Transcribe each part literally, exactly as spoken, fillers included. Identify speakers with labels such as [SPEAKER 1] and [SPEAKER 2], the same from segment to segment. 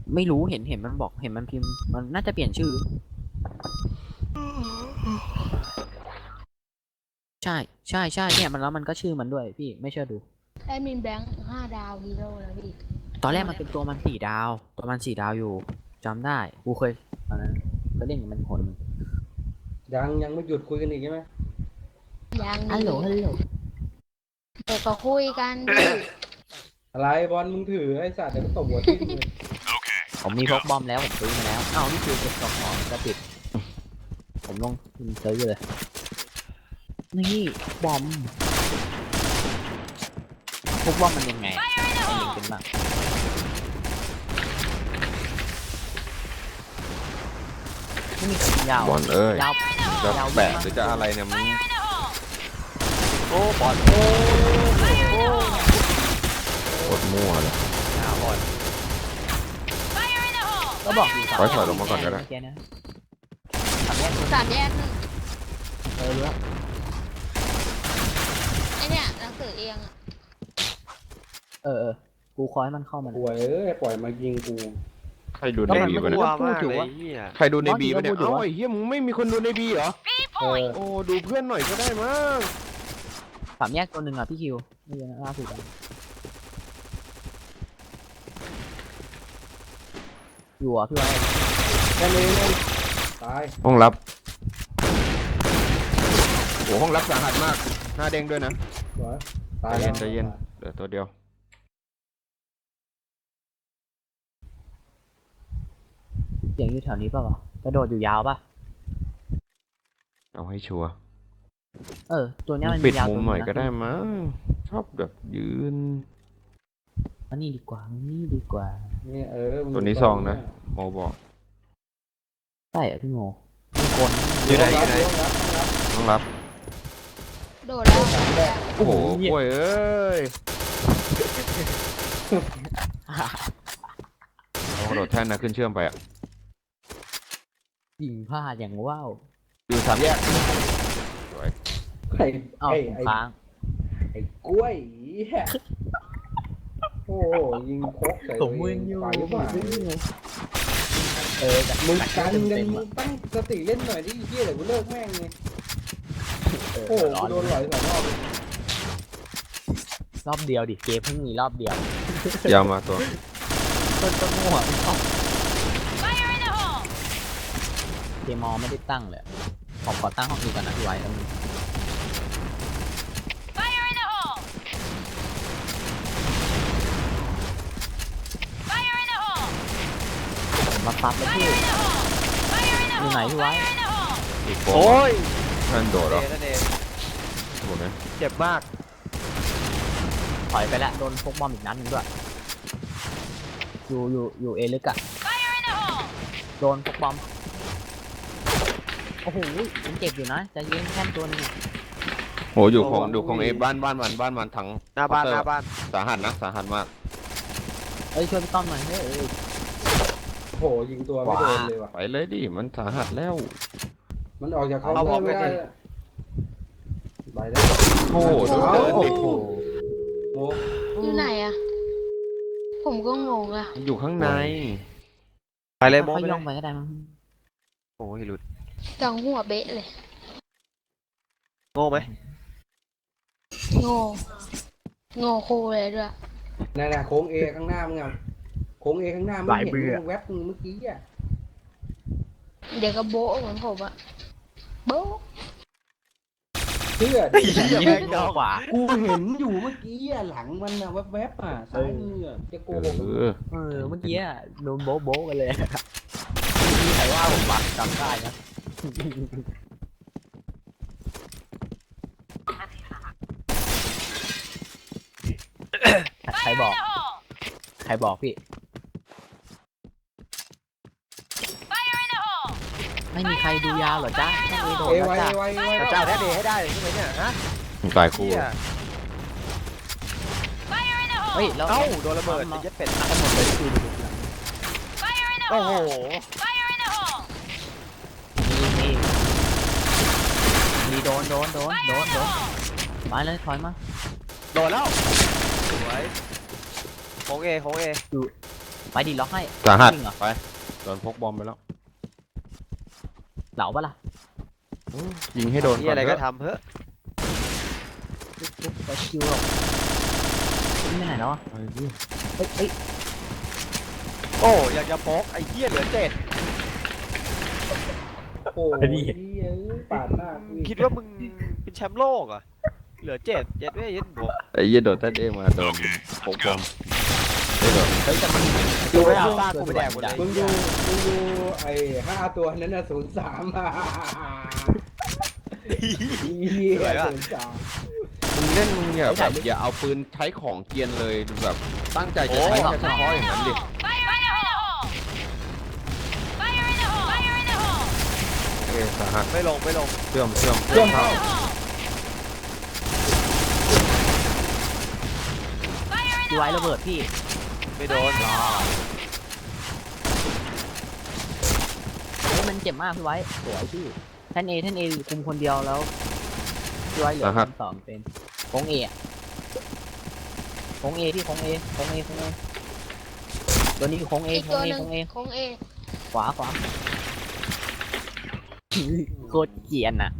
[SPEAKER 1] ไม่รู้เห็นเห็นมันบอกเห็นมันพิมพ์มันน่าจะเปลี่ยนชื่อใช่ใช่ใช่เนี่ยมันแล้วมันก็ชื่อมันด้วยพี่ไม่เชื่อดู
[SPEAKER 2] แอดมินแบงค์ห้าดาวฮีโร่แล้วพี่
[SPEAKER 1] ตอนแรกมันเป็นตัวมันสี่ดาวตัวมันสี่ดาวอยู่จำได้กูเคยตอนนั้นก็เล่นกับมันคน
[SPEAKER 3] ยังยังไม่หยุดคุยกันอีกใช่ไหม
[SPEAKER 2] ยัง
[SPEAKER 1] ฮัลโหลฮัลโหล
[SPEAKER 2] เด็กก็คุยกันดิ
[SPEAKER 3] อะไรบอลมึงถือไอ้สัตว์เดี๋ยวก็ตบหัวทิ่มเลย
[SPEAKER 1] ผมมีพกบอมแล้วผมซื้อมาแล้วอ้าวนี่คือเก็บกล่องของกระติดผมลงซื้อเลยนี่บอมพกบอมมันยังไงมันยิงเป็นบ้างไม่มีคนยาว
[SPEAKER 4] บอลเอ้ย
[SPEAKER 1] ยาว
[SPEAKER 4] จะ
[SPEAKER 1] ยาว
[SPEAKER 4] แบกหรือจะอะไรเนี่ยมึง
[SPEAKER 1] โอ้บอลโอ้โอ้
[SPEAKER 4] โคตรมั่วเลย
[SPEAKER 1] ยาวบอลก็บอกอยู่
[SPEAKER 4] ถอยถอยลงมาก่อนก็ได้
[SPEAKER 1] เมื่กี้นะสามแยก
[SPEAKER 2] สามแยกหนึ่ง
[SPEAKER 1] เออรู้แล้ว
[SPEAKER 2] ไอเนี่ยหนังสือเองอะ
[SPEAKER 1] เออเออกูคอยมันเข้ามา
[SPEAKER 3] ป่วยเอ้ยปล่อยมายิงกู
[SPEAKER 4] ใครดูใน
[SPEAKER 1] ก็มัน
[SPEAKER 4] บี
[SPEAKER 1] ไม่
[SPEAKER 4] ปะ
[SPEAKER 1] รู้
[SPEAKER 4] เนี่ย
[SPEAKER 1] ว่าพูดอยู่ว่า
[SPEAKER 4] ใครดูในบีปะเนี่ย
[SPEAKER 1] บอสอยู่
[SPEAKER 4] เอ้า
[SPEAKER 1] ว่า
[SPEAKER 4] ไอ้เหี้ยมึงไม่มีคนดูในบีเหรอ
[SPEAKER 3] เออ
[SPEAKER 4] โอ้ดูเพื่อนหน่อยก็ได้มั้ง
[SPEAKER 1] สามแยกตัวหนึ่งอ่ะพี่คิวไม่ใช่ล่าสุดอะอยู่อ่ะพี่ไว้
[SPEAKER 3] แค่นี้เองตาย
[SPEAKER 4] ห้องรับโอ้ห้องรับสาหัสมากหน้าเด้งด้วยนะ
[SPEAKER 3] สวยตา
[SPEAKER 4] ใจ
[SPEAKER 3] ย
[SPEAKER 4] เย็น
[SPEAKER 3] แล้ว
[SPEAKER 4] ใจเย็นเหลือตัวเดียว
[SPEAKER 1] เสียงอยู่แถวนี้ป่ะวะกระโดดอยู่ยาวป่ะ
[SPEAKER 4] เอาให้ชัวร์
[SPEAKER 1] เออตัวเนี้ยมัน
[SPEAKER 4] ปิด
[SPEAKER 1] ยาว
[SPEAKER 4] มุม
[SPEAKER 1] ตัว
[SPEAKER 4] หน่อย
[SPEAKER 1] งะ
[SPEAKER 4] ก็ได้มั้งชอบแบบยืน
[SPEAKER 1] อันนี้ดีกว่าอันนี้ดีกว่า
[SPEAKER 3] นี่เออมึ
[SPEAKER 4] ตัวนี้ซองนะโมบอก
[SPEAKER 1] ใช่เหรอพี่โมมีคน
[SPEAKER 4] อยู่ไหนอยู่ไหน
[SPEAKER 3] รับรับ
[SPEAKER 4] ต้องรับ
[SPEAKER 2] โดดแล้ว
[SPEAKER 4] โอ้โหกล้วยเอ้ยเอากระโดดแท่นนะขึ้นเชื่อมไปอ่ะ
[SPEAKER 1] ยิงพลาดอย่างว้าว
[SPEAKER 4] อยู่สามแยกสวย
[SPEAKER 3] ไอ้
[SPEAKER 1] เอ้า
[SPEAKER 3] ไอ้
[SPEAKER 1] ผม
[SPEAKER 3] ไอ้
[SPEAKER 1] ค้าง
[SPEAKER 3] ไอ้กล้วยเหี้ยโอ้โหยิงโคกใส่
[SPEAKER 1] ผมมึนอยู่
[SPEAKER 3] ไปหรือเปล่า
[SPEAKER 1] เออแต่
[SPEAKER 3] มึง
[SPEAKER 1] แต่
[SPEAKER 3] กัน
[SPEAKER 1] เต็ม
[SPEAKER 3] กัน
[SPEAKER 1] เต็ม
[SPEAKER 3] มึ
[SPEAKER 1] อะ
[SPEAKER 3] งตั้งสติเล่นหน่อยดิเฮียเดี๋ยวกูเลิกแม่งเลย
[SPEAKER 1] เออ
[SPEAKER 3] โอ้โห
[SPEAKER 1] ร้อ
[SPEAKER 3] กู
[SPEAKER 1] น
[SPEAKER 3] โดนหลอยสองรอบ
[SPEAKER 1] รอบเดียวดิเกมเพิ่งมีรอบเดียวย
[SPEAKER 4] าวมาตัว
[SPEAKER 1] ต้นต้นมั่วไม่ต้องเกมมอไม่ได้ตั้งเลยผมขอตั้งห้องนี้ก่อนนะพี่ไว้แล้วมึงผมมาปั๊บแล้วพี่อยู่ไหนพี่ไว้
[SPEAKER 4] อีกโ
[SPEAKER 5] โอ้ย
[SPEAKER 4] ท่านโดดเหรอ
[SPEAKER 5] นั่นเอง
[SPEAKER 4] โดดไหม
[SPEAKER 5] เจ็บมาก
[SPEAKER 1] ถอยไปแล้วโดนพกบอมอีกนัดหนึงด้วยอยู่อยู่อยู่เอลึกอะโดนพกบอมโอ้โหผมเจ็บอยู่นะใจะเย็นแค่ตัวนึงอะ
[SPEAKER 4] โหอยู่ของอยู่ของเอบ้านบ้านมันบ้านมันทั้ง
[SPEAKER 5] หน้าบ้าน
[SPEAKER 4] เค
[SPEAKER 5] ห
[SPEAKER 4] ตอ
[SPEAKER 5] น้า
[SPEAKER 4] ร์
[SPEAKER 5] บ้าน
[SPEAKER 4] สาหัสนะสาหัสมาก
[SPEAKER 1] เอ้ยช่วยพี่ต้อมหน่อยเฮ้ยเอ้ย
[SPEAKER 3] โอ้โหยิงตัวไม่โดนเลยว่ะ
[SPEAKER 4] ไปเลยดิมันสาหัสแล้ว
[SPEAKER 3] มันออกจากเคาน์เตอร์ไม่ได้ไปได้
[SPEAKER 4] โอ้โหดูเดิน
[SPEAKER 1] โอ้
[SPEAKER 4] ดิ
[SPEAKER 1] โห
[SPEAKER 3] โม
[SPEAKER 2] อยู่ไหนอะผมก็งงอะ
[SPEAKER 4] มันอยู่ข้างใน
[SPEAKER 5] ไปเลยโม
[SPEAKER 1] ค่อย
[SPEAKER 5] ไป
[SPEAKER 1] ๆ
[SPEAKER 5] เล
[SPEAKER 1] ย่อย งไปก็ได้มั้ง
[SPEAKER 5] โอ้ยหลุด
[SPEAKER 2] จังหัวเบะเลย
[SPEAKER 5] โง่ไหม
[SPEAKER 2] โง่โง่คูเลยด้วย
[SPEAKER 3] นั่นน่ะโค้งเอข้างหน้ามึงอ่ะโค้งเอข้างหน้ามึงเห็นมึงแวบมึงเมื่อกี้อ่ะ
[SPEAKER 2] เดี๋ยวก็โบ๊ะเหมือนผมอะโบ๊ะ
[SPEAKER 3] เชื่อดิ
[SPEAKER 1] ยิงดอกกว่า
[SPEAKER 3] กูเห็นอยู่เมื่อกี้อ่ะหลังมันอ่ะแวบๆอ่ะซ้ายมืออ่ะจะโก
[SPEAKER 4] เอ
[SPEAKER 3] หก
[SPEAKER 4] อ
[SPEAKER 1] เออเมื่อกี้อะโดนโบ๊ะโบ๊ะกันเลยมีใครว่าผมวะจำได้นะใครบอกใครบอกพี่ไม่มีใครดูยาวเหรอจ๊ะแค่เอโดด
[SPEAKER 3] เอ
[SPEAKER 1] แล้ว
[SPEAKER 3] ไว้
[SPEAKER 1] จ้ะ
[SPEAKER 3] เอไว้เอไว้
[SPEAKER 5] แต่เจ้าแท้เดย์ให้ได้ใช่ไหมเนี่ยฮะ
[SPEAKER 4] ตายคู่
[SPEAKER 5] เหี้ย
[SPEAKER 1] เฮ้ยแล้ว
[SPEAKER 5] เอ้าโดนระเบิดไอ้เหี้ย็ดเป็ด
[SPEAKER 1] ทั้งหมดเลยคือ
[SPEAKER 5] โอ้โห
[SPEAKER 1] มีมีมีโดนโดนโดนโดนโดนมาเลยถอยมา
[SPEAKER 5] โดนแล้วสวยโค้งเอโค้งเอ
[SPEAKER 1] ไปดิล็อกให้
[SPEAKER 4] สาหัส
[SPEAKER 1] จริงเหรอ
[SPEAKER 4] ไปโดนพกบอมไปแล้ว
[SPEAKER 1] เหลาปะล่ะ
[SPEAKER 4] ยิงให้โดน
[SPEAKER 5] มี
[SPEAKER 4] ก่อน
[SPEAKER 5] อะไร
[SPEAKER 4] เถ
[SPEAKER 5] ก็
[SPEAKER 4] อะ
[SPEAKER 5] ทำเฮ้ย
[SPEAKER 1] ปุ๊บปุ๊บไปคิวหรอกไม่ไหนแล้วอ่ะ
[SPEAKER 4] ไปดิ
[SPEAKER 1] เฮ้ยเฮ้ย
[SPEAKER 5] โอ้อยากจะโป๊กไอ้เหี้ยเหลือเจ็ด
[SPEAKER 3] โอ้ยเหี้ยปาดหน้ากูอีก
[SPEAKER 5] คิดว่ามึงเป็นแชมป์โลกเหรอ่ะเหลือเจ็ดเจ็ดไม่เย็นบวก
[SPEAKER 4] ไอ้เหี้ยโดดเต้นเองมาโดนพกบอมไม่โดน
[SPEAKER 1] เฮ้ยแต่มัน
[SPEAKER 5] ดูไม่เอาป้ากูไปแดกหมดเลย
[SPEAKER 3] มึงดูมึงดูไอ้ห้าตัวนั้นน่ะศูนย์สามอ่ะเหี้ยศูนย์สาม
[SPEAKER 4] มึงเล่นมึงอย่าแบบอย่าเอาปืนใช้ของเกรียนเลยแบบตั้งใจจะใช้แค่เฉพาะอย่างนั้นดิ เอ้ยสาหัส
[SPEAKER 5] ไม่ลงไม่ลง
[SPEAKER 4] เชื่อมเชื่อม
[SPEAKER 3] เชื่อมเข้า
[SPEAKER 1] ดีไว้ระเบิดพี่
[SPEAKER 5] ไม่โดน
[SPEAKER 1] เฮ้ยมันเจ็บมากพี่ไว้สวยพี่แท่นเอแท่นเอคุมคนเดียวแล้วพี่ไว้เหลือคนสองเป็นโค้งเออะโค้งเอพี่โค้งเอโค้งเอโค้งเอตัวนี้คือโค้งเอ
[SPEAKER 2] อีก
[SPEAKER 1] โค้
[SPEAKER 2] ตั
[SPEAKER 1] ง
[SPEAKER 2] ว
[SPEAKER 1] เอ
[SPEAKER 2] หนึ่ง
[SPEAKER 1] โค้งเอ
[SPEAKER 2] ของเอ
[SPEAKER 1] ขวาขวาโคตรเกรียนอะ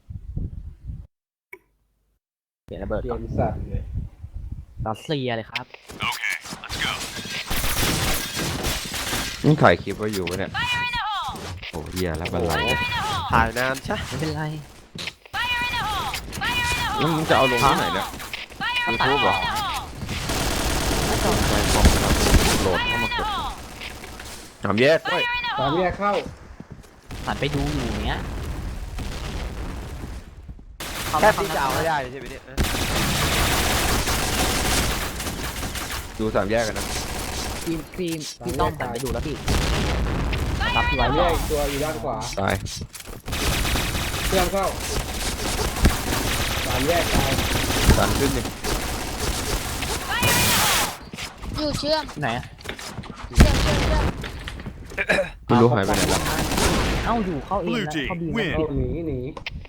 [SPEAKER 1] เปลี่ยนระเบิด
[SPEAKER 3] เปลี่
[SPEAKER 1] ก่
[SPEAKER 3] ย
[SPEAKER 1] อน
[SPEAKER 3] นสัตว์เลย
[SPEAKER 1] รัสเซียเลยครับ
[SPEAKER 4] นี่ถ่ายคลิปไว้อยู่ปะเนี่ยโอ้เหี้ยแล้วบันไล
[SPEAKER 5] ถ่ายนานใช่
[SPEAKER 1] ไม่เป็นไร
[SPEAKER 4] แล้วมึงจะเอาลงที่ไหนเนี่ยยูทูบเหรอไปคอมเราโหลดเข้ามากดสามแยกด้วย
[SPEAKER 3] สามแยกเข้า
[SPEAKER 1] ผ่านไปดูอยู่เนี้ยเข้า
[SPEAKER 5] แค่
[SPEAKER 1] มา
[SPEAKER 5] ตีจะเอาให้ได้ใช่ไหมเนี่ย
[SPEAKER 4] ดูสามแยกกันนะ
[SPEAKER 1] พี่พี่พี่ต้องผ่านไปดูแล้วพี่รับพี่ไว้
[SPEAKER 3] สามแย
[SPEAKER 1] ก่อก น
[SPEAKER 3] อีกตัวอยู่ด้านขวา
[SPEAKER 4] ตาย
[SPEAKER 3] เชื่อมเข้าสามแยกตาย
[SPEAKER 4] ดันขึ้นดิ
[SPEAKER 2] อยู่เชื่อม
[SPEAKER 1] ไหนอะ
[SPEAKER 2] เชื่อมเชื่อมเชื่อม
[SPEAKER 4] ไม่รู้หายไปไหนแล้ว
[SPEAKER 1] เอ้าอยู่เข้าเองแล้วเข้าบีแล้ว
[SPEAKER 3] เข้าหนีหนี